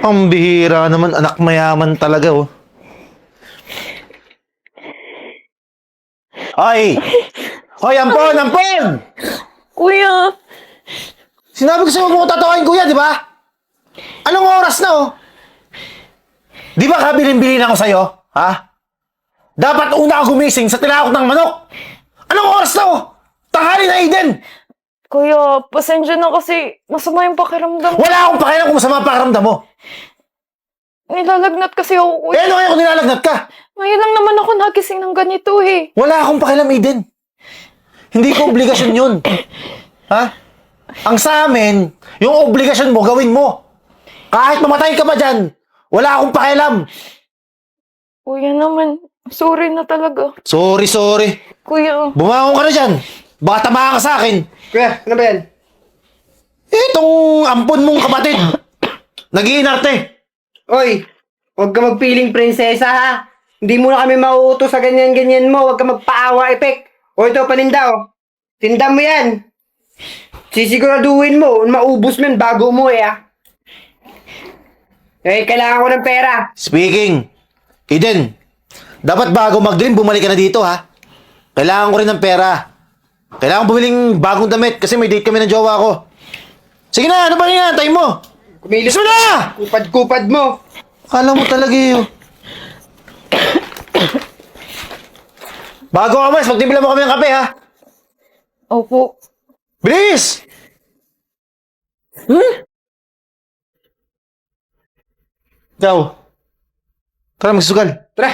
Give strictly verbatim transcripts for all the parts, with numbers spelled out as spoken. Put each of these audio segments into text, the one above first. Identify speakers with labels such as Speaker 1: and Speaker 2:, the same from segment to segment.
Speaker 1: Ang bihira naman, anak mayaman talaga, oh. Hoy! Hoy, ampon, ampon!
Speaker 2: Kuya,
Speaker 1: Sinabi ko sa'yo huwag mo ko tatawain, kuya, di ba? Anong oras na, oh? Di ba kabilin-bilin ako sa'yo? Ha? Dapat una ako gumising sa tinakot ng manok! Anong oras na, oh? Tanghali na, Eden!
Speaker 2: kuya, pasensya na kasi masama yung pakiramdam.
Speaker 1: Wala akong pakialam kung masama ang pakiramdam mo!
Speaker 2: Nilalagnat kasi ako,
Speaker 1: Eh,
Speaker 2: kuya.
Speaker 1: ano kaya kung nilalagnat ka?
Speaker 2: Ngayon lang naman ako nagising ng ganito eh.
Speaker 1: Wala akong pakialam, Eden. Hindi ko obligasyon yun. Ha? Ang sa amin, yung obligasyon mo, gawin mo. Kahit mamatay ka pa dyan, wala akong pakialam.
Speaker 2: Kuya naman, sorry na talaga.
Speaker 1: Sorry, sorry.
Speaker 2: Kuya,
Speaker 1: Bumangon ka na dyan. Baka tamaan ka sa akin.
Speaker 3: Kuya, ano ba yan?
Speaker 1: Itong ampon mong kapatid. Nag-iinarte.
Speaker 3: Oy, huwag ka magpiling prinsesa ha. Hindi mo na kami mauutos sa ganyan-ganyan mo. Huwag ka magpaawa, Epek. O ito, paninda o. Tinda mo yan. Sisiguraduhin mo, maubos mo yan bago umuwi ah. Eh, kailangan ko ng pera.
Speaker 1: Speaking. Eden, dapat bago mag-dream, bumalik ka na dito, ha? Kailangan ko rin ng pera. Kailangan bumiling bagong damit kasi may date kami ng jowa ko. Sige na, ano ba yan? Tayo mo.
Speaker 3: Kumilos
Speaker 1: Gusto mo na!
Speaker 3: Kupad-kupad mo.
Speaker 1: Akala mo talaga yun. Bago ka mas, magtimpla mo kami ng kape, ha?
Speaker 2: opo.
Speaker 1: Bilis! Hmm? Ikaw. Tara, magsusugal.
Speaker 3: Tara.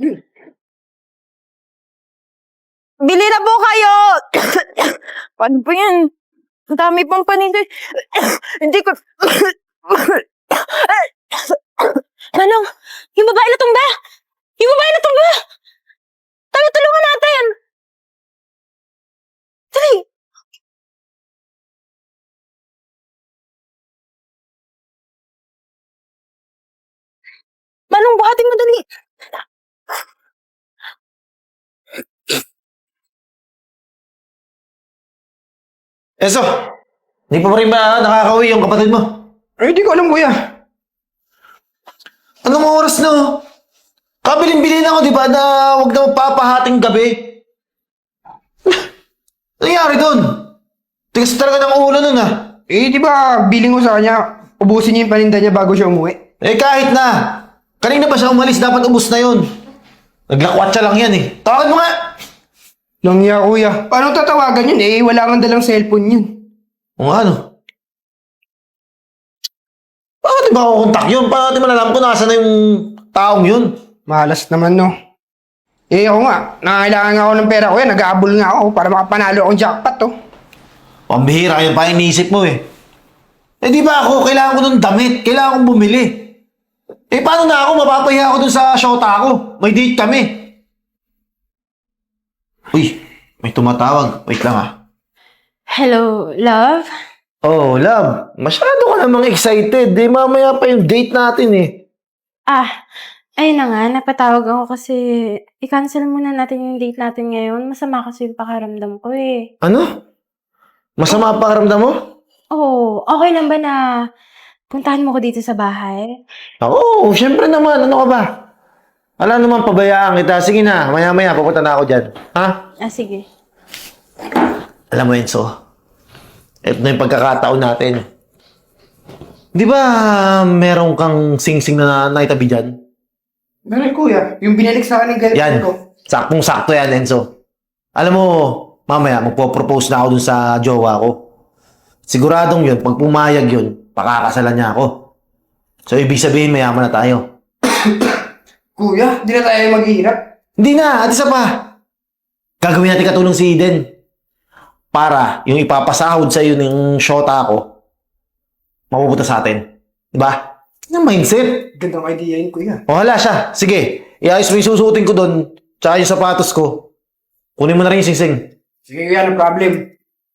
Speaker 2: Bili na po kayo! Paano po yan? Ang dami pang paninda. Hindi ko... Manong, yung babae na tumba! Yung babae na tumba! Tayo, tulungan natin! Dali! Manong, buhatin mo dali!
Speaker 1: Eso! Hindi pa rin ba nakakauwi yung kapatid mo?
Speaker 3: Ay, hindi ko alam kuya.
Speaker 1: Anong oras na? oh? Kabilin-bilin ako, di ba, na huwag na magpapahating gabi. Ano nangyari doon? Tigas talaga ng ulo nun, ah.
Speaker 3: Eh, di ba, biling ko sa kanya, ubusin niya yung paninda niya bago siya umuwi.
Speaker 1: Eh, kahit na. Kanina pa siya umalis, dapat ubus na yun. Naglakwatsa lang yan, eh. Tawagin mo nga!
Speaker 3: Langya kuya. Paano tatawagan yun? Eh, wala nga dalang cellphone yun.
Speaker 1: O nga, ano? Bakit di ba ako kontak yun? Paano di malalam ko nasa na yung taong yun?
Speaker 3: Malas naman, no? Eh, ako nga. Nangangailangan nga ako ng pera kuya. Nag-aabol nga ako para makapanalo akong jackpot, oh.
Speaker 1: Pambihira, yun pa iniisip mo, eh. Eh, di ba ako, kailangan ko ng damit. Kailangan kong bumili. Eh, paano na ako? Mapapahiya ako dun sa shota ko. May date kami. Uy, may tumatawag. Wait lang, ah.
Speaker 2: Hello, love?
Speaker 1: Oh, love. Masyado ka namang excited. Eh, mamaya pa yung date natin, eh.
Speaker 4: Ah, ayun na nga, napatawag ako kasi i-cancel muna natin yung date natin ngayon. Masama kasi yung pakiramdam ko eh.
Speaker 1: Ano? Masama ang pakiramdam mo?
Speaker 4: Oh, okay lang ba na puntahan mo ko dito sa bahay?
Speaker 1: Oo, syempre naman. Ano ka ba? Alam naman, pabayaan kita. Sige na, maya-maya, pupunta na ako dyan. Ha?
Speaker 4: Ah, sige.
Speaker 1: Alam mo, Enzo, ito na yung pagkakataon natin. Di ba meron kang sing-sing na naitabi dyan?
Speaker 3: Ganun kuya. Yung binalik sa akin ng
Speaker 1: Yan.
Speaker 3: girlfriend ko.
Speaker 1: Saktong-sakto yan, Enzo. Alam mo, mamaya, magpo-propose na ako dun sa jowa ko. Siguradong yun, pag pumayag yun, pakakasalan niya ako. So, ibig sabihin, mayaman na tayo.
Speaker 3: Kuya, di na tayo maghihirap.
Speaker 1: Hindi na, at isa pa. Gagawin natin katulong si Eden. Para yung ipapasahod sa iyo ng shota ko, mapupunta sa atin. Diba? Yung mindset.
Speaker 3: Gandang idea yun, kuya.
Speaker 1: O hala siya. Sige, iayos mo yung susuotin ko doon, tsaka yung sapatos ko. Kunin mo na rin yung singsing.
Speaker 3: Sige kuya, no problem.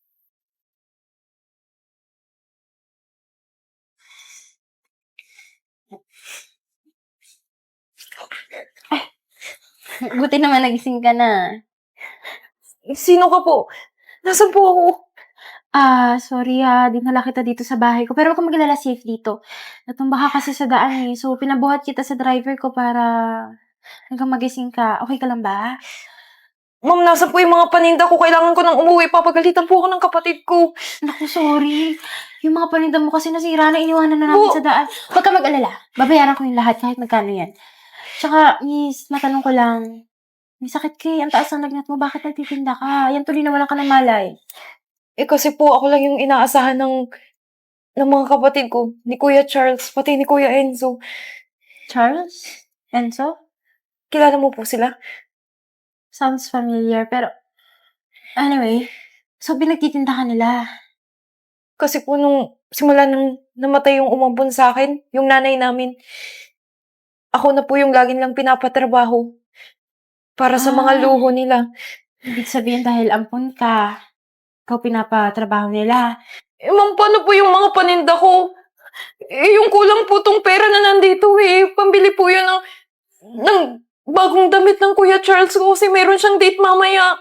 Speaker 4: Buti naman nagising ka na.
Speaker 2: Sino ka po? Nasaan po ako?
Speaker 4: Ah, sorry ha, dinala kita dito sa bahay ko. Pero huwag kang mag-alala, safe dito. Natumba ka kasi sa daan eh. So, pinabuhat kita sa driver ko para hanggang magising ka. Okay ka lang ba?
Speaker 2: Ma'am, nasa po yung mga paninda ko. Kailangan ko nang umuwi. Papagalitan po ako ng kapatid ko.
Speaker 4: Naku, sorry. Yung mga paninda mo kasi nasira na, iniwanan na namin
Speaker 2: Bu-
Speaker 4: sa daan. Huwag ka mag-alala. Babayaran ko yung lahat kahit magkano yan. Tsaka, miss, matanong ko lang. May sakit ka eh. Ang taas ng lagnat mo. Bakit nagtitinda ka? Yan tuloy na walang ka ng malay.
Speaker 2: Eh kasi po ako lang yung inaasahan ng ng mga kapatid ko. Ni Kuya Charles, pati ni Kuya Enzo.
Speaker 4: Charles? Enzo?
Speaker 2: Kilala mo po sila?
Speaker 4: Sounds familiar, pero... Anyway, so pinagtitinda ka nila.
Speaker 2: Kasi po nung simula nung namatay yung umampon sa akin, yung nanay namin, ako na po yung laging lang pinapatrabaho para sa mga
Speaker 4: Ah.
Speaker 2: luho nila.
Speaker 4: Ibig sabihin dahil ampon ka, ikaw pinapatrabaho nila.
Speaker 2: Eh, ma'am, paano po yung mga paninda ko? Eh, yung kulang po tong pera na nandito eh. Pambili po yun ng, ng bagong damit ng Kuya Charles ko kasi meron siyang date mamaya.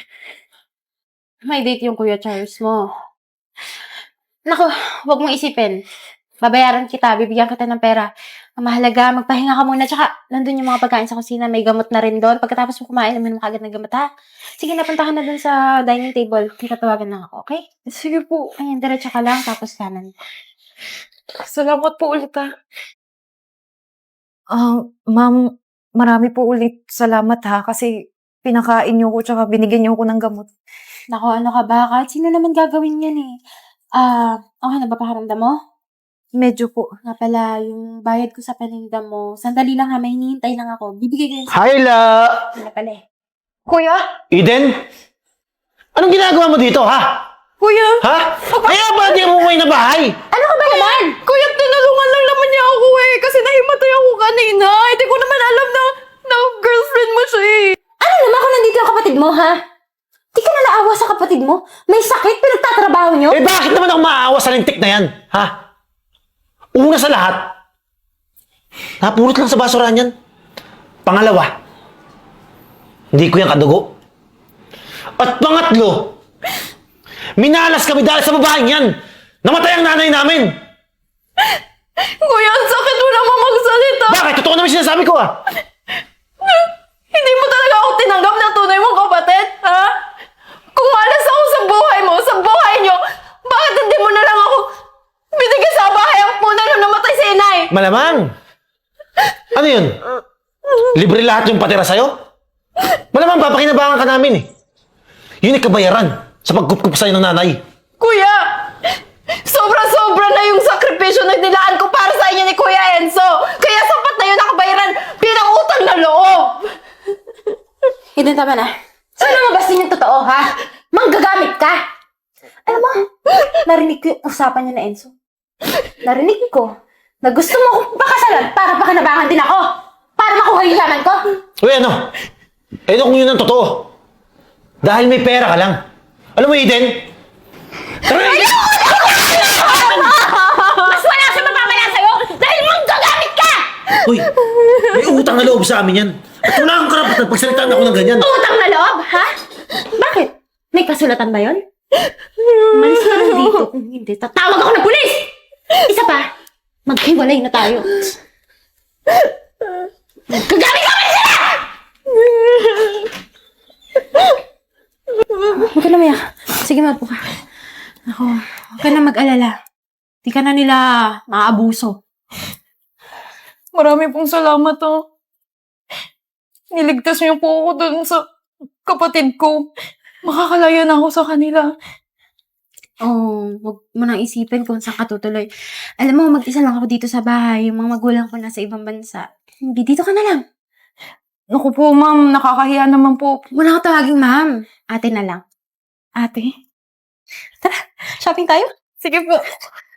Speaker 4: May date yung Kuya Charles mo. Naku, huwag mong isipin. Babayaran kita, bibigyan kita ng pera. Ang mahalaga, magpahinga ka muna. Tsaka, nandun yung mga pagkain sa kusina. May gamot na rin doon. Pagkatapos mo kumain, naman mo kagad ng gamot, ha? Sige, napuntahan na dun sa dining table. Tatawagan lang ako, okay?
Speaker 2: Sige po.
Speaker 4: Ayan, diretso ka lang, tapos kanan.
Speaker 2: Salamat po ulit ha. Ah, ma'am, marami po ulit salamat ha kasi pinakain niyo ko tsaka binigyan niyo ko ng gamot.
Speaker 4: Naku, ano ka ba? Kahit sino naman gagawin yan eh. Ah, okay na ba pakiramdam mo?
Speaker 2: Medyo po.
Speaker 4: Nga pala, yung bayad ko sa paninda mo, sandali lang ha, may hinihintay lang ako. Bibigay ko yun sa
Speaker 1: Hyla!
Speaker 4: na pala eh.
Speaker 2: Kuya?
Speaker 1: Eden? Anong ginagawa mo dito, ha?
Speaker 2: Kuya?
Speaker 1: Ha? Kaya ba di mo umuwi na bahay?
Speaker 4: Ano ka ba naman?
Speaker 2: Kuya, tinulungan lang naman niya ako eh kasi nahimatay ako kanina. Hindi ko naman alam na, na girlfriend mo siya eh.
Speaker 4: Ano naman kung nandito yung kapatid mo, ha? Di ka na naawa sa kapatid mo? May sakit, pinagtatrabaho nyo?
Speaker 1: Eh bakit naman ako maaawa sa lintik na yan, ha? Una sa lahat, napulot lang sa basurahan yan. Pangalawa, hindi ko yan kadugo. At pangatlo, minalas kami dahil sa babaeng yan. Namatay ang nanay namin.
Speaker 2: Kuya, ang sakit mo naman magsalita.
Speaker 1: Bakit? Totoo naman sinasabi ko, ah.
Speaker 2: Hindi mo talaga ako tinanggap na tunay mong kapatid, ha? Kung malas ako sa buhay mo, sa buhay niyo, bakit hindi mo na lang ako binigyan sa bahay ang muna nung namatay si inay?
Speaker 1: Malamang. Ano yun? Libre lahat yung patira sa'yo? Malamang papakinabangan ka namin, eh. Yun ay kabayaran sa pagkup-kup sa'yo ng nanay.
Speaker 2: Kuya, sobra-sobra na yung sakripisyo na nilaan ko para sa inyo ni Kuya Enzo. Kaya sapat na yun nakabayaran bilang utang na loob.
Speaker 4: Eden, tama na. Sana mabas din yung totoo, ha? Manggagamit ka! Alam mo, narinig ko yung usapan niya na Enzo. Narinig ko na gusto mo akong pakasalan para pakinabangan din ako. Para makuha yung laman ko.
Speaker 1: Uy, ano? Eh, ano kung yun ang totoo? Dahil may pera ka lang. Alam mo, Eden? Tara na!
Speaker 4: Mas wala siya mapapala sa'yo dahil manggagamit ka!
Speaker 1: Uy, may utang na loob sa amin yan. At wala akong karapatan pagsalitaan ako ng ganyan.
Speaker 4: Utang na loob, ha? Bakit? May kasulatan ba yon? Malis ka lang dito. Kung hindi, tatawag ako ng pulis! Isa pa, maghiwalay na tayo. Gagamit kami sila! Huwag ka na mayak. Sige, mapo ka. Ako, huwag ka na mag-alala. Di ka na nila maaabuso.
Speaker 2: Marami pong salamat, oh. Niligtas niyo po ako dun sa kapatid ko. Makakalaya na ako sa kanila.
Speaker 4: Oh, wag mo nang isipin kung saan ka tutuloy. Alam mo, mag-isa lang ako dito sa bahay. Yung mga magulang ko nasa ibang bansa. Hindi, dito ka na lang.
Speaker 2: Naku po, ma'am. Nakakahiya naman po.
Speaker 4: Wala ka tawaging ma'am. Ate na lang.
Speaker 2: Ate?
Speaker 4: Tara, shopping tayo?
Speaker 2: Sige po.